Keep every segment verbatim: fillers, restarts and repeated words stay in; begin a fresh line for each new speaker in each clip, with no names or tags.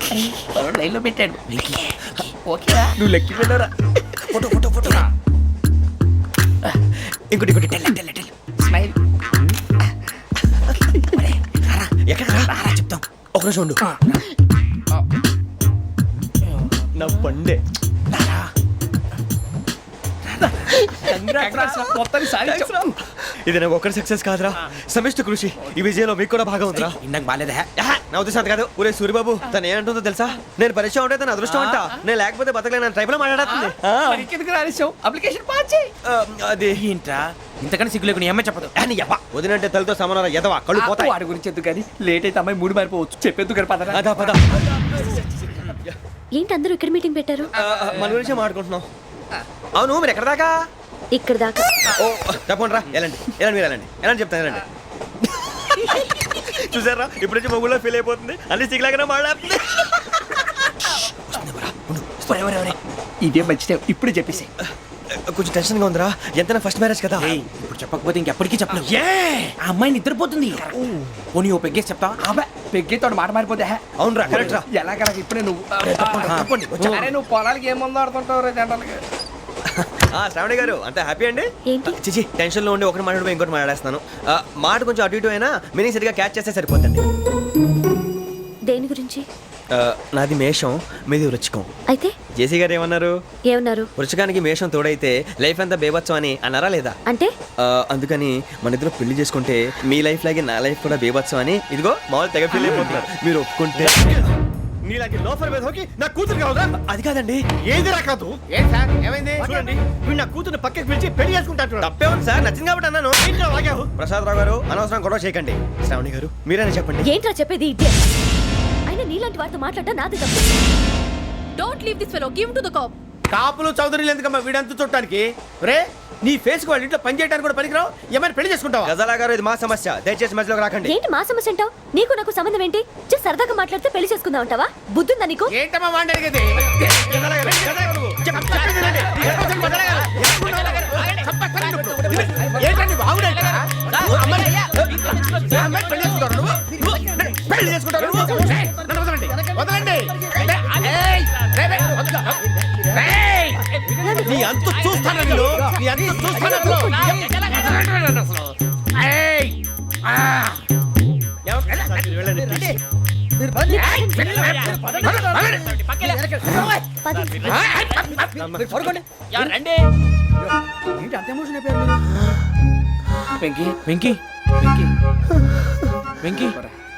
లైన్లో పెట్టాడు. ఓకేరా, నువ్వు లెక్కి వెళ్ళరా.
ఫోటో ఫోటో ఫోటో ఇంకోటి ఇంకోటి టెల్ టెల్ టెల్
స్మైల్.
ఎక్కడ రారా చెప్తాం. ఒక నిమిషం ఉండు. నా పండే ఇది నాకు ఒక్కరి సక్సెస్ కాదురా, సమిష్టి కృషి. ఈ విజయంలో మీకు కూడా భాగం ఉందిరా.
ఇందాక బాగాలేదా?
నా ఉద్దేశం అంత కాదు. ఊరే సూర్యబాబు తను ఏమంటుందో తెలుసా? నేను పరిచయం ఉంటే తన అదృష్టం అంట. నేను లేకపోతే బతకలేను ట్రైబ్ లో మాట్లాడుతుంది.
అప్లికేషన్ పాస్ చేయి.
అది
ఏంట్రా ఇంతకన్నా సిగ్గు లేకుండా ఏమై చెప్పదు.
వదినంటే తలతో సమానం ఎదవా కళ్ళు పోతాయి.
వాడి గురించి ఎందుకు కానీ లేట్ అయితే అమ్మాయి మూడు మారిపోవచ్చు. చెప్పేందుకు కానీ పదరా.
అదా పద.
ఏంటి అందరూ ఇక్కడ మీటింగ్ పెట్టారు?
మన గురించే మాట్లాడుకుంటున్నాం. అవును మీరు ఎక్కడ దాకా?
ఇక్కడ దాకా.
ఓ తప్పకుండా రా. ఎలాంటి ఎలాంటి మీరు ఎలాంటి ఎలాంటి చెప్తాను ఎలాంటి. చూసారా ఇప్పుడు నుంచి మొగుల్లో ఫీల్ అయిపోతుంది. అన్ని సిగ్లాగానే మాట్లాడుతుంది.
ఇదే మంచి టైం ఇప్పుడు చెప్పేసి.
కొంచెం టెన్షన్ గా ఉందిరా. ఎంతైనా ఫస్ట్ మ్యారేజ్ కదా.
ఇప్పుడు చెప్పకపోతే ఇంకెప్పటికీ చెప్పను. ఆ అమ్మాయి నిద్రపోతుంది. పోనీ ఓ పెగ్గేసి చెప్తా. అబ్బాయి పెగ్గేతో మాట మారిపోతే.
అవును రా కరెక్ట్ రా.
ఎలాగలా ఇప్పుడే నువ్వు అరే నువ్వు పొలాలకి ఏముందో ఆడుతుంటావు రే జనరల్గా.
శ్రావణి గారు అంత హ్యాపీ అండి?
ఏంటి
చిచి టెన్షన్ లో ఉండి ఒకటి మాట్లాడిపోయి ఇంకోటి మాట్లాడేస్తాను. మాట కొంచెం అటు ఇటు అయినా మీనింగ్ సరిగా క్యాచ్ చేస్తే సరిపోతుంది.
దేని గురించి?
నాది మేషం, మీది వృచ్చికం.
అయితే
జేసీ గారు ఏమన్నారు?
ఏమన్నారు?
వృచ్చికానికి మేషం తోడైతే లైఫ్ అంతా బేబత్సం అని అన్నారా లేదా?
అంటే
అందుకని మన ఇద్దరు పెళ్లి చేసుకుంటే మీ లైఫ్ లాగే నా లైఫ్ కూడా బేబత్సం అని ఇదిగో మామూలు తెగ ఫీల్ అయిపోతున్నారు. మీరు ఒప్పుకుంటే నీలాంటి లోఫర్ మీద హోకి నా కూతురు కావదా? అది కాదండి. ఏది రాకాదు.
ఏం సార్ ఏమైంది?
చూడండి వీడు నా కూతురు పక్కకి పిలిచి పెళ్లి చేసుకుంటాడు. తప్పే ఉంది సార్, నచ్చింది కాబట్టి అన్నాను. ప్రసాద్ రావు గారు అనవసరం గొడవ చేయకండి. శ్రావణి గారు మీరైనా చెప్పండి.
ఏంట్రా చెప్పేది? అయినా నీలాంటి వారితో మాట్లాడటం నాది తప్పు. Don't leave this fellow, give to the cop.
కాపులు చౌదరులు ఎందుకమ్మా వీడంతా చూడటానికి? రే నీ ఫేస్ కు వాళ్ళ ఇంట్లో పని చేయడానికి కూడా పనికిరావు. ఏమైనా పెళ్లి చేసుకుంటావా?
గజాలా గారు ఇది మా సమస్య, దయచేసి మధ్యలోకి రాకండి.
ఏంటి మా సమస్య అంటావు? నీకు నాకు సంబంధం ఏంటి? జస్ట్ సరదాగా మాట్లాడితే పెళ్లి చేసుకుందాం అంటావా? బుద్ధుందా నీకు?
ఏంటమ్మా మాట్లాడేది? పెళ్లి చేసుకుంటారు వదలండి. నీ అంత చూస్తాను నీ అంత చూస్తాను. వెంకీ వెంకీ వెంకీ వెంకీ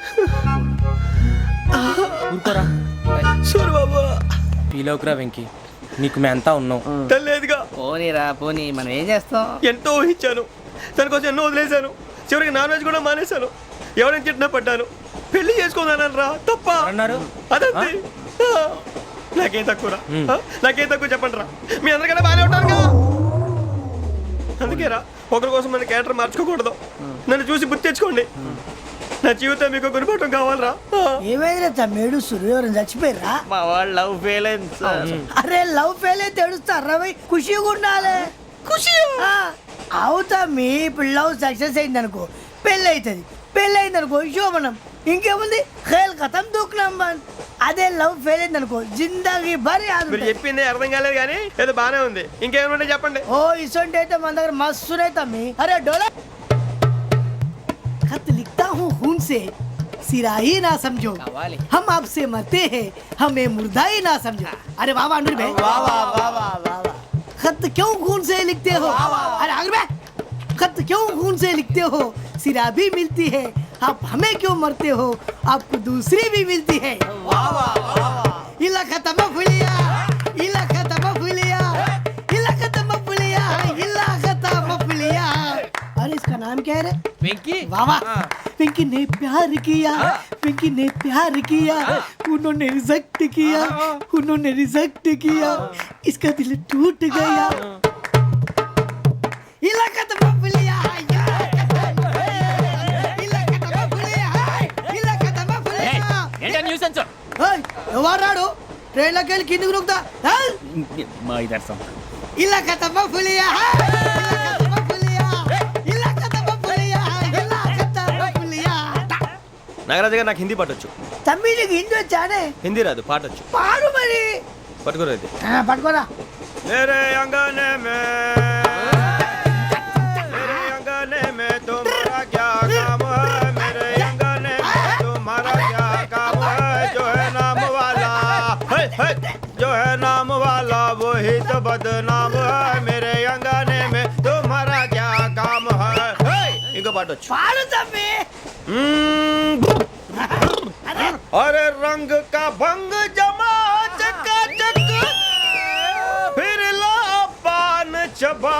ఊరుకోరా.
సూర్యబాబు
ఫీలవుకురా వెంకీ, నీకు మేమంతా ఉన్నాం.
తెలియదుగా.
పోనీరా పోనీ, మనం ఏం చేస్తాం?
ఎంతో ఊహించాను, దానికోసం ఎన్నో వదిలేశాను. చివరికి నాన్ వెజ్ కూడా మానేశాను. ఎవరైనా తిట్టినా పడ్డాను. పెళ్లి చేసుకున్నాను రా తప్ప
అన్నారు.
అదంతే. నాకేం తక్కువరా? నాకేం తక్కువ చెప్పండి రా. మీ అందరికన్నా బాగానే ఉంటారుగా. అందుకేరా ఒకరి కోసం మన క్యారెక్టర్ మార్చుకోకూడదు. నన్ను చూసి గుర్తు తెచ్చుకోండి. నా జీవితం మీకు గురిపటం కావాలరా.
ఏమైందిరా తమ్మేడు సూర్యవరం చచ్చిపోయిరా?
మా వాళ్ళు లవ్ ఫెయిల్ అయింది సార్.
అరే లవ్ ఫెయిల్ అయితే ఏడుస్తారా? ఖుషిగా ఉండాలి. ఖుషి అవుతా. మీ ఇప్పుడు లవ్ సక్సెస్ అయింది అనుకో పెళ్ళి అవుతుంది. పెళ్ళి అయింది అనుకో శోభనం. ఇంకేముంది ఖేల్ కథం దూకునాం బాన్. అదే లవ్ ఫెయిల్ అయింది అనుకో జిందాగీ భారీ.
మీరు చెప్పింది అర్థం కాలేదు కానీ ఏదో బానే ఉంది. ఇంకేమైనా చెప్పండి.
ఓ ఇసొంటి అయితే మన దగ్గర మస్తునే తమ్మి. అరే డోలా खत लिखता हूँ खून से, सिरा ही ना समझो. हम आपसे मरते हैं, हमें मुर्दा ही ना समझो. अरे वाह वाह अनुर भाई, वाह वाह वाह वाह वाह. खत क्यों खून से लिखते हो? अरे अनुर भाई, खत क्यों खून से लिखते हो? सिरा भी मिलती है, आप हमें क्यों मरते हो? आपको दूसरी भी मिलती है. वाह वाह वाह. इला खत्म फुलिया, इला खत्म फुलिया, इला खत्म फुलिया, इला खत्म फुलिया. अरे इसका नाम क्या है रे?
వెంకీ.
वाह वाह. पिंकी ने प्यार किया, पिंकी ने प्यार किया, उन्होंने रिजेक्ट किया, उन्होंने रिजेक्ट किया, इसका दिल टूट गया. इलाका तो बबलिया है, इलाका तो बबलिया है, इलाका तो बबलिया.
ఏంటా న్యూసెన్స్?
ओए ఎవరు రాడు? ట్రైన్ లోకి వెళ్ళి కిందికి రుకుతా.
మా ఇదర్సం.
इलाका तो बबलिया है, इलाका तो बबलिया, इलाका तो बबलिया है, इलाका तो बबलिया.
నాగరాజు గారు నాకు హిందీ పట్టొచ్చు.
తమ్మి నీకు హిందీ వచ్చానే
హిందీ రాదు పాట వచ్చు
పాడు మరి
పట్టుకోలేదు
ఆ, పట్టుకోరా
मेरे अंगने में मेरे अंगने में तुम्हारा क्या काम है मेरे अंगने में तुम्हारा क्या काम है जो है नाम वाला है, है, जो है नाम वाला वही तो बदनाम है मेरे अंगने में तुम्हारा क्या काम है है, इनको पाटो
పాడు తమ్మి
अरे रंग का भंग जमा चकाचक फिर लो पान चबा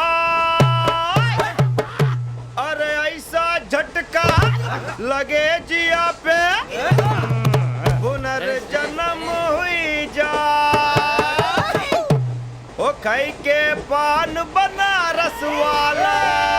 अरे ऐसा झटका लगे जिया पे पुनर्जन्म हुई जा ओ खाई के पान बनारस वाला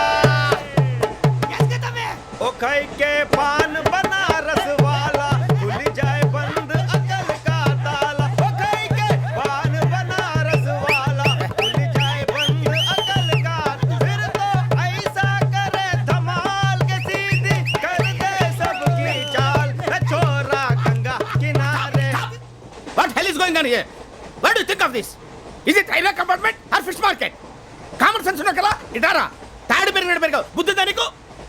ओ खाई के पान बनारस वाला खुल जाए बंद अकल का ताला ओ खाई के पान बनारस वाला खुल जाए बंद अकल का फिर तो ऐसा करे धमाल के सीधी कर दे सबकी चाल ए छोरा गंगा किनारे
What hell is going on here? What do you think of this? Is it railway compartment or fish market? Common sense ఉన్నా కదా ఇటారా తాడు పెరిగినట్టు పెరగవు బుద్ధి దానికి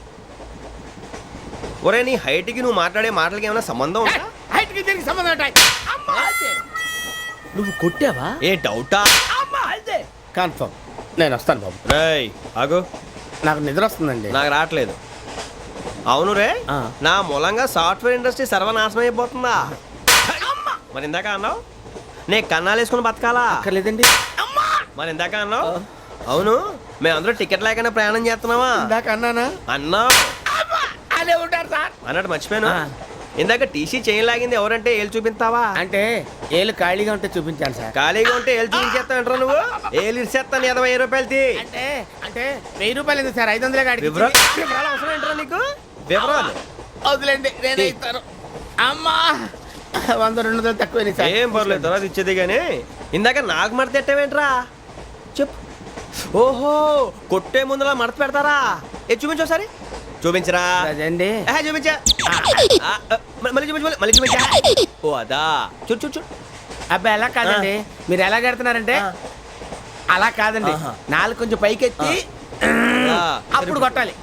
ఒరే నీ హైట్ కి నువ్వు మాట్లాడే మాటలకి ఏమైనా సంబంధం ఉందా
హైట్ కి దీనికి సంబంధం ఉంటాయి అమ్మా అయితే నువ్వు కొట్టావా
ఏ డౌటా
అమ్మా అయితే కన్ఫర్మ్ నేను వస్తాను బాబు
రేయ్ ఆగు
నాకు నిద్ర వస్తుందండి
నాకు రావట్లేదు అవును రే
ఆ.
నా మూలంగా సాఫ్ట్వేర్ ఇండస్ట్రీ సర్వనాశనం అయిపోతుందా మరి ఇందాక అన్నావు నే కన్నాలు వేసుకుని బతకాలా
అక్కర్లేదండి అమ్మా
మరి ఇందాక అన్నావు అవును మేమందరూ టికెట్ లేకుండా ప్రయాణం చేస్తున్నావా
ఇందాక అన్నానా
అన్నావు
అమ్మా అదే ఉంటారు సార్
అన్నట్టు మర్చిపోయాను
ఆ.
ఇందాక టీసీ చేయి లాగింది ఎవరంటే ఏళ్ళు చూపిస్తావా
అంటే ఏళ్ళు ఖాళీగా ఉంటే చూపించాను సార్
ఖాళీగా ఉంటే ఏళ్ళు చూపించేస్తావు నువ్వు ఏళ్ళు ఇచ్చేస్తాను ఇరవై ఐదు రూపాయలది
అంటే అంటే వెయ్యి రూపాయలు ఎందుకు సార్ ఐదు వందలే కాడికి
వివరాలు వివరాలు అవసరం ఏంట్రా నీకు వివరాలు
వదిలేండి నేనే ఇస్తాను అమ్మా వంద రెండు వందలు తక్కువ సార్
ఏం పర్లేదు తర్వాత ఇచ్చేది కానీ ఇందాక నాకు మడత ఎట్టవేంట్రా చెప్పు ఓహో కొట్టే ముందులా మడత పెడతారా ఏ చూపించు ఒకసారి చూపించరా
అదండి
ఏహే, చూపించా ఆ, ఆ, మ- మళ్ళీ చూపించు మళ్ళీ- మళ్ళీ చూపించా ఓ అదా చూడు చూడు చూడు
అబ్బాయి ఎలా కాదండి మీరు ఎలా కడుతున్నారంటే
ఆ.
అలా కాదండి
ఆహా.
నాలుగు కొంచెం పైకెత్తి
ఆ,
అప్పుడు కొట్టాలి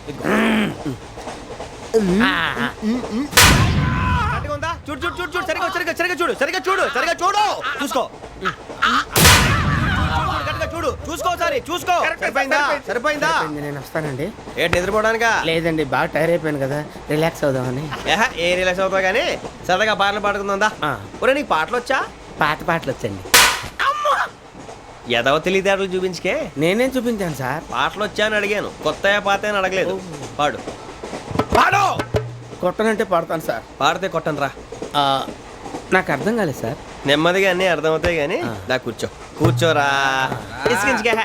ఆ, ఆ.
కరెక్ట్గా ఉందా? చూడు చూడు చూడు చూడు సరిగా సరిగా సరిగా చూడు సరిగా చూడు సరిగా చూడు చూసుకో కరెక్ట్గా చూడు చూసుకో ఒకసారి చూసుకో
కరెక్ట్,
సరిపోయిందా
సరిపోయింది.
సరిపోయిందా
సరిపోయింది, నేను వస్తానండి
ఏంటి నిద్రపోవడానికా
లేదండి బాగా టైర్ అయిపోయాను కదా రిలాక్స్ అవుదామని
ఏహ, ఏ రిలాక్స్ అవుతావు కానీ సరదాగా పాటలు పాడుకుందా
ఆ.
ఒరే నీకు పాటలు వచ్చా
పాత పాటలు వచ్చండి
ఎదవ తెలివితేటలు చూపించుకే
నేనేం చూపించాను సార్
పాటలు వచ్చా అని అడిగాను కొత్త పాత అని అడగలేదు పాడు
పాడు కొట్టనంటే పాడతాను సార్
పాడితే కొట్టను రా
ఆ, నాకు అర్థం కాలేదు సార్
నెమ్మదిగా అన్నీ అర్థమవుతాయి కానీ
ఆ.
నా కూర్చో కూర్చోరా ఇసుకించుకే